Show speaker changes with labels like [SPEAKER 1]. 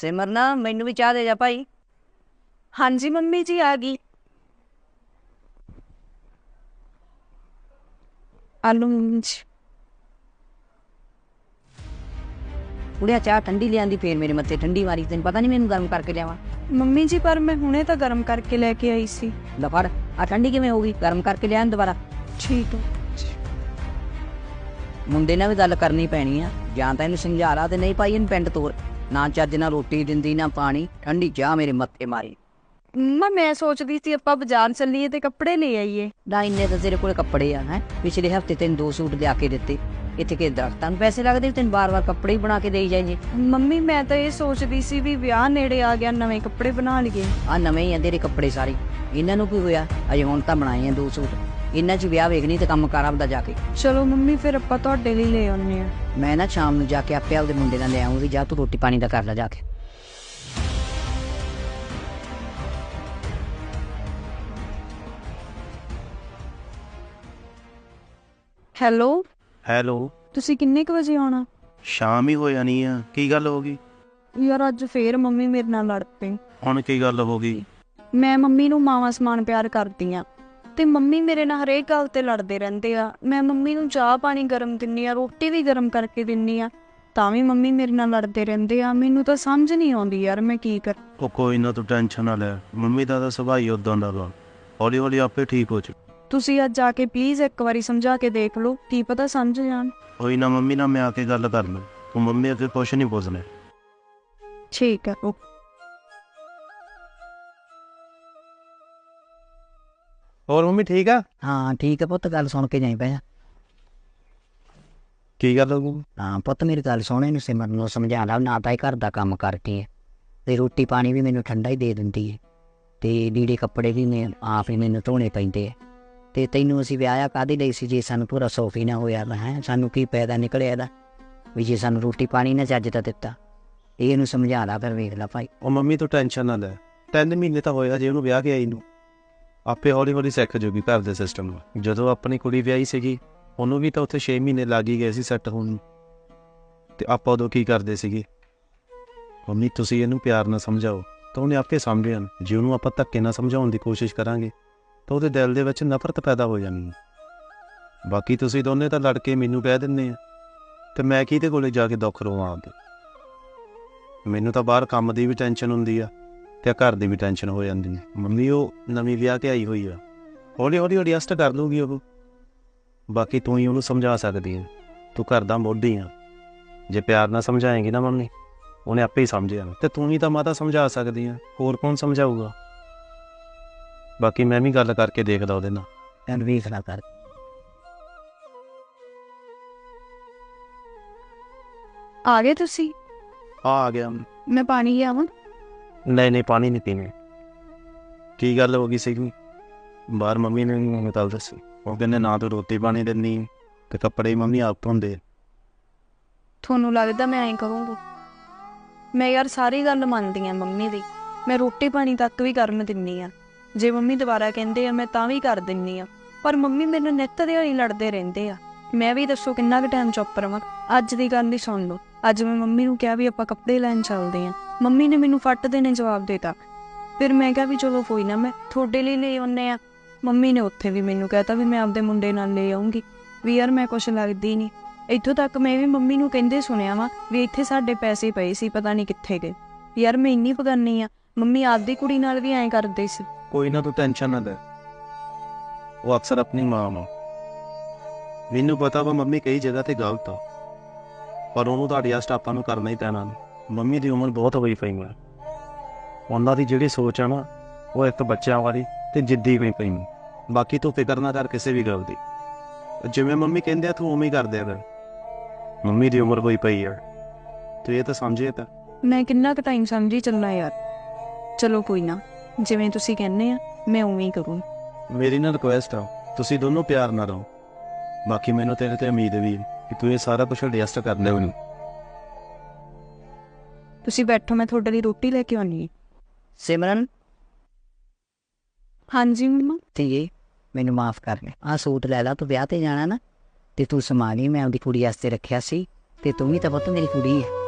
[SPEAKER 1] सिमरन मैनू भी चाह दे जा भाई।
[SPEAKER 2] हाँ जी मम्मी जी आ गई। आलू मम्मी जी।
[SPEAKER 1] कुड़िया चाह ठंडी लियांदी फिर मेरे मत्थे ठंडी मारी। तेन पता नहीं मैनू गर्म करके लियावां।
[SPEAKER 2] मम्मी जी पर मैं हुणे तो गर्म करके लेके आई सी।
[SPEAKER 1] ला फड़ आ ठंडी किवें होगी? गर्म करके लिया दोबारा।
[SPEAKER 2] ठीक है।
[SPEAKER 1] मुंडे ने भी गल करनी पैनी आ। जां तां इहनूं समझा ला ते नहीं भाई इहनूं पिंड तोर। ना चज ना रोटी दिंदी ना पानी, ठंडी चाह मेरे मत्थे मारी।
[SPEAKER 2] मम्मा मैं सोचदी सी आपां बाजार चलीए ते कपड़े ले आईए।
[SPEAKER 1] ना इन्ने तो तेरे कोल कपड़े आ हैं। पिछले हफ्ते तेन 2 सूट लिया के दिते। इत्थे के दरख्तां नूं पैसे लगदे तेन बार बार कपड़े ही बना के देई जाइए।
[SPEAKER 2] मम्मी मैं तो ये सोचदी सी भी विआह नेड़े आ गया नवे कपड़े बना लईए।
[SPEAKER 1] आ नवे ही आ तेरे कपड़े सारे। इन्हां नूं की होया? अजे हुण तां बनाए आ 2 सूट। इन्हां च विआह वेखनी ते काम कर आपदा जाके।
[SPEAKER 2] चलो मम्मी फिर आपां तुहाडे लई ले आउने आ।
[SPEAKER 1] मैं ना शाम नूं जाके आपे आपदे मुंडे नाल ले आऊंगी। जा तू रोटी पानी दा कर लै जाके।
[SPEAKER 2] Hello
[SPEAKER 3] hello.
[SPEAKER 2] ਤੁਸੀਂ ਕਿੰਨੇ ਕੁ ਵਜੇ ਆਉਣਾ?
[SPEAKER 3] ਸ਼ਾਮ ਹੀ ਹੋ ਜਾਣੀ ਆ। ਕੀ ਗੱਲ ਹੋ ਗਈ?
[SPEAKER 2] ਯਾਰ ਅੱਜ ਫੇਰ ਮੰਮੀ ਮੇਰੇ ਨਾਲ ਲੜ ਪਈ।
[SPEAKER 3] ਹੁਣ ਕੀ ਗੱਲ ਹੋ ਗਈ?
[SPEAKER 2] ਮੈਂ ਮੰਮੀ ਨੂੰ ਮਾਵਾਂ ਸਮਾਨ ਪਿਆਰ ਕਰਦੀ ਆ ਤੇ ਮੰਮੀ ਮੇਰੇ ਨਾਲ ਹਰੇਕ ਗੱਲ ਤੇ ਲੜਦੇ ਰਹਿੰਦੇ ਆ। ਮੈਂ ਮੰਮੀ ਨੂੰ ਚਾਹ ਪਾਣੀ ਗਰਮ ਦਿੰਨੀ ਆ, ਰੋਟੀ ਵੀ ਗਰਮ ਕਰਕੇ ਦਿੰਨੀ ਆ, ਤਾਂ ਵੀ ਮੰਮੀ ਮੇਰੇ ਨਾਲ ਲੜਦੇ ਰਹਿੰਦੇ ਆ। ਮੈਨੂੰ ਤਾਂ ਸਮਝ ਨਹੀਂ ਆਉਂਦੀ ਯਾਰ ਮੈਂ ਕੀ ਕਰ।
[SPEAKER 3] ਉਹ ਕੋਈ ਨਾ, ਤੂੰ ਟੈਨਸ਼ਨ ਨਾ ਲੈ। ਮੰਮੀ ਦਾ ਤਾਂ ਸੁਭਾਅ ਹੀ ਉਦਾਂ ਦਾ ਵਾ। ਹੌਲੀ ਹੌਲੀ ਆਪੇ ਠੀਕ ਹੋ ਜੂ।
[SPEAKER 2] ਤੁਸੀਂ ਅੱਜ ਆ ਕੇ ਪਲੀਜ਼ ਇੱਕ ਵਾਰੀ ਸਮਝਾ ਕੇ ਦੇਖ ਲਓ, ਕੀ ਪਤਾ ਸਮਝ ਜਾਣ।
[SPEAKER 3] ਕੋਈ ਨਾ, ਮੰਮੀ ਨਾਲ ਮੈਂ ਆ ਕੇ ਗੱਲ ਕਰ ਲੂੰ। ਤੂੰ ਮੰਮੀ ਅੱਗੇ ਕੁਛ ਨਹੀਂ ਪੁੱਛਣਾ।
[SPEAKER 2] ਠੀਕ ਆ।
[SPEAKER 4] ਹੋਰ ਮੰਮੀ ਠੀਕ ਆ?
[SPEAKER 1] हाँ ठीक है पुत्त, गल सुन के जाई पै।
[SPEAKER 4] ਕੀ ਗੱਲ ਹੋ ਗਈ?
[SPEAKER 1] हाँ पुत्त मेरी गल सुन, इहनूं सिमरन नूं समझा ला। ना तां घर दा काम करती है ते रोटी पानी भी मैनूं ठंडा ही दे दिंदी है ते लीड़े कपड़े भी मैं आप ही मैनूं धोने पैंदे है। ते तैनूं असीं विआहिਆ काहदे लई सी जे सानूं पूरा सुख ही ना होया है? सानूं की पैदा निकलिया ਇਹਦਾ ਵੀ ਜੇ ਸਾਨੂੰ ਰੋਟੀ ਪਾਣੀ ਨਾ ਚੱਜ ਦਾ ਦਿੱਤਾ। ਇਹਨੂੰ ਸਮਝਾ ਲਾ ਫਿਰ, ਵੇਖ ਲਾ ਭਾਈ।
[SPEAKER 4] ਉਹ ਮੰਮੀ ਤੂੰ ਟੈਨਸ਼ਨ ਨਾ ਲੈ। 3 ਮਹੀਨੇ ਤਾਂ ਹੋਇਆ ਜੇ ਉਹਨੂੰ ਵਿਆਹ ਕੇ ਆਈ ਨੂੰ। ਆਪੇ ਹੌਲੀ ਹੌਲੀ ਸਿੱਖ ਜੂਗੀ ਘਰ ਦੇ ਸਿਸਟਮ ਨੂੰ। ਜਦੋਂ ਆਪਣੀ ਕੁੜੀ ਵਿਆਹੀ ਸੀਗੀ ਉਹਨੂੰ ਵੀ ਤਾਂ ਉੱਥੇ 6 ਮਹੀਨੇ ਲੱਗ ਹੀ ਗਏ ਸੀ ਸੈੱਟ ਹੋਣ ਨੂੰ। ਤੇ ਆਪਾਂ ਉਦੋਂ ਕੀ ਕਰਦੇ ਸੀਗੇ? ਮੰਮੀ ਤੁਸੀਂ ਇਹਨੂੰ ਪਿਆਰ ਨਾਲ ਸਮਝਾਓ ਤਾਂ ਉਹਨੇ ਆਪੇ ਸਮਝ ਜਾਣਾ। ਜੇ ਉਹਨੂੰ ਆਪਾਂ ਧੱਕੇ ਨਾਲ ਸਮਝਾਉਣ ਦੀ ਕੋਸ਼ਿਸ਼ ਕਰਾਂਗੇ ਤਾਂ ਉਹਦੇ ਦਿਲ ਦੇ ਵਿੱਚ ਨਫ਼ਰਤ ਪੈਦਾ ਹੋ ਜਾਣੀ ਹੈ। ਬਾਕੀ ਤੁਸੀਂ ਦੋਨੇ ਤਾਂ ਲੜ ਕੇ ਮੈਨੂੰ ਕਹਿ ਦਿੰਦੇ ਆ ਤੇ ਮੈਂ ਕਿਹਦੇ ਕੋਲੇ ਜਾ ਕੇ ਦੁੱਖ ਰੋਵਾਂ ਆਪਦੇ? ਮੈਨੂੰ ਤਾਂ ਬਾਹਰ ਕੰਮ ਦੀ ਵੀ ਟੈਨਸ਼ਨ ਹੁੰਦੀ ਆ ਤੇ ਘਰ ਦੀ ਵੀ ਟੈਨਸ਼ਨ ਹੋ ਜਾਂਦੀ ਹੈ। ਮੰਮੀ ਉਹ ਨਵੀਂ ਵਿਆਹ ਕੇ ਆਈ ਹੋਈ ਆ, ਹੌਲੀ ਹੌਲੀ ਐਡਜਸਟ ਕਰ ਲੂਗੀ ਉਹ। ਬਾਕੀ ਤੂੰ ਹੀ ਉਹਨੂੰ ਸਮਝਾ ਸਕਦੀ ਹੈ। ਤੂੰ ਘਰ ਦਾ ਮੋਢੀ ਆ। ਜੇ ਪਿਆਰ ਨਾਲ ਸਮਝਾਏਂਗੀ ਨਾ ਮੰਮੀ, ਉਹਨੇ ਆਪੇ ਹੀ ਸਮਝ ਜਾਣਾ। ਤੇ ਤੂੰ ਹੀ ਤਾਂ ਮਾਤਾ ਸਮਝਾ ਸਕਦੀ ਆ, ਹੋਰ ਕੌਣ ਸਮਝਾਊਗਾ? ਬਾਕੀ ਮੈਂ ਵੀ ਗੱਲ ਕਰਕੇ ਦੇਖਦਾ ਉਹਦੇ ਨਾਲ।
[SPEAKER 1] ਐਨ ਵੇਖ ਲਾ ਕਰ।
[SPEAKER 2] ਆ ਗਏ ਤੁਸੀਂ?
[SPEAKER 3] ਆ ਗਿਆ।
[SPEAKER 2] ਮੈਂ ਪਾਣੀ ਲਿਆਵਾਂ?
[SPEAKER 3] ਨਹੀਂ ਨਹੀਂ, ਪਾਣੀ ਨਹੀਂ ਪੀਣਾ। ਕੀ ਗੱਲ ਹੋ ਗਈ ਸੀਗੀ? ਬਾਹਰ ਮੰਮੀ ਨੇ ਮੈਨੂੰ ਗੱਲ ਦੱਸੀ। ਉਹ ਕਹਿੰਦੇ ਨਾ ਤੂੰ ਰੋਟੀ ਪਾਣੀ ਦਿੰਦੀ ਤੇ ਕੱਪੜੇ ਮੰਮੀ ਆਪ ਧੋਂਦੇ।
[SPEAKER 2] ਤੁਹਾਨੂੰ ਲੱਗਦਾ ਮੈਂ ਐਂ ਕਰੂੰਗੀ? ਮੈਂ ਯਾਰ ਸਾਰੀ ਗੱਲ ਮੰਨਦੀ ਆ ਮੰਮੀ ਦੀ। ਮੈਂ ਰੋਟੀ ਪਾਣੀ ਤੱਕ ਵੀ ਕਰਨ ਦਿੰਨੀ ਆ। ਜੇ ਮੰਮੀ ਦੁਬਾਰਾ ਕਹਿੰਦੇ ਆ ਮੈਂ ਤਾਂ ਵੀ ਕਰ ਦਿੰਨੀ ਆ। ਪਰ ਮੰਮੀ ਮੈਨੂੰ ਨਿੱਤ ਦਿਹਾੜੀ ਲੜਦੇ ਰਹਿੰਦੇ ਆ। ਮੈਂ ਵੀ ਦੱਸੋ ਕਿੰਨਾ ਕੁ ਟਾਈਮ ਚੁੱਪ ਰਵਾਂ? ਅੱਜ ਦੀ ਗੱਲ ਹੀ ਸੁਣ ਲਓ। ਅੱਜ ਮੈਂ ਮੰਮੀ ਨੂੰ ਕਿਹਾ ਵੀ ਆਪਾਂ ਕੱਪੜੇ ਲੈਣ ਚੱਲਦੇ ਆ। ਮੰਮੀ ਨੇ ਮੈਨੂੰ ਫੱਟ ਦੇਣੇ ਜਵਾਬ ਦੇਤਾ। ਫਿਰ ਮੈਂ ਕਿਹਾ ਵੀ ਚਲੋ ਕੋਈ ਨਾ, ਮੈਂ ਤੁਹਾਡੇ ਲਈ ਲੈ ਆਉਂਦੇ ਆ। ਮੰਮੀ ਨੇ ਉੱਥੇ ਵੀ ਮੈਨੂੰ ਕਹਿਤਾ ਵੀ ਮੈਂ ਆਪਦੇ ਮੁੰਡੇ ਨਾਲ ਲੈ ਆਉਂਗੀ। ਵੀ ਯਾਰ ਮੈਂ ਕੁਛ ਲੱਗਦੀ ਨਹੀਂ। ਇੱਥੋਂ ਤੱਕ ਮੈਂ ਵੀ ਮੰਮੀ ਨੂੰ ਕਹਿੰਦੇ ਸੁਣਿਆ ਵਾ ਵੀ ਇੱਥੇ ਸਾਡੇ ਪੈਸੇ ਪਏ ਸੀ, ਪਤਾ ਨਹੀਂ ਕਿੱਥੇ ਗਏ। ਯਾਰ ਮੈਂ ਇੰਨੀ ਪਗਾਨੀ ਆ। ਮੰਮੀ ਆਪਦੀ ਕੁੜੀ ਨਾਲ ਵੀ ਐਂ ਕਰਦੇ ਸੀ।
[SPEAKER 4] ਕੋਈ ਨਾ, ਤੂੰ ਟੈਨਸ਼ਨ ਨਾ ਲੈ। ਉਹ ਅਕਸਰ ਆਪਣੀ ਮਾਂ ਨੂੰ। ਮੈਨੂੰ ਪਤਾ ਵਾ ਮੰਮੀ ਕਈ ਜਗ੍ਹਾ ਤੇ ਗਲਤ ਆ, ਪਰ ਉਹਨੂੰ ਤਾਂ ਐਡਜਸਟ ਆਪਾਂ ਨੂੰ ਕਰਨਾ ਹੀ ਪੈਣਾ। ਮੰਮੀ ਦੀ ਉਮਰ ਬਹੁਤ ਹੋਈ ਪਈ ਹੈ। ਉਹਨਾਂ ਦੀ ਜਿਹੜੀ ਸੋਚ ਆ ਨਾ, ਉਹ ਇੱਕ ਬੱਚਿਆਂ ਵਾਲੀ ਤੇ ਜਿੱਦੀ ਹੋਈ ਪਈ। ਬਾਕੀ ਤੂੰ ਫਿਕਰ ਨਾ ਕਰ ਕਿਸੇ ਵੀ ਗੱਲ ਦੀ। ਜਿਵੇਂ ਮੰਮੀ ਕਹਿੰਦੇ ਆ ਤੂੰ ਉਵੇਂ ਹੀ ਕਰ ਦਿਆ ਕਰ। ਮੰਮੀ ਦੀ ਉਮਰ ਹੋਈ ਪਈ ਆ, ਤੂੰ ਇਹ ਤਾਂ ਸਮਝੇ ਤਾਂ।
[SPEAKER 2] ਮੈਂ ਕਿੰਨਾ ਕੁ ਟਾਈਮ ਸਮਝੀ ਚੱਲਣਾ ਯਾਰ। ਚਲੋ ਕੋਈ ਨਾ, ਜਿਵੇਂ ਤੁਸੀਂ ਕਹਿੰਦੇ ਆ ਮੈਂ ਉਵੇਂ ਹੀ ਕਰੂੰ।
[SPEAKER 4] ਮੇਰੀ ਨਾ ਰਿਕੁਐਸਟ ਆ, ਤੁਸੀਂ ਦੋਨੋਂ ਪਿਆਰ ਨਾਲ ਰਹੋ। ਬਾਕੀ ਮੈਨੂੰ ਤੇਰੇ ਤੇ ਉਮੀਦ ਵੀ ਹੈ ਕਿ ਤੂੰ ਇਹ ਸਾਰਾ ਕੁਛ ਐਡਜਸਟ ਕਰ ਲਵੇਂਗੀ।
[SPEAKER 2] ਤੁਸੀਂ ਬੈਠੋ, ਮੈਂ ਤੁਹਾਡੇ ਲਈ ਰੋਟੀ ਲੈ ਕੇ ਆਉਣੀ ਹੈ।
[SPEAKER 1] सिमरन
[SPEAKER 2] ਹਾਂਜੀ ਮੰਮਾ।
[SPEAKER 1] ਧੀਏ ਮੈਨੂੰ ਮਾਫ ਕਰ ਲੈ। ਆਹ ਸੂਟ ਲੈ ਲਾ, ਤੂੰ ਵਿਆਹ ਤੇ ਜਾਣਾ ਨਾ ਤੇ ਤੂੰ ਸਮਾਨ ਹੀ ਮੈਂ ਆਪਦੀ ਕੁੜੀ ਵਾਸਤੇ ਰੱਖਿਆ ਸੀ ਤੇ ਤੂੰ ਵੀ ਤਾਂ ਪੁੱਤ ਮੇਰੀ ਕੁੜੀ ਹੈ।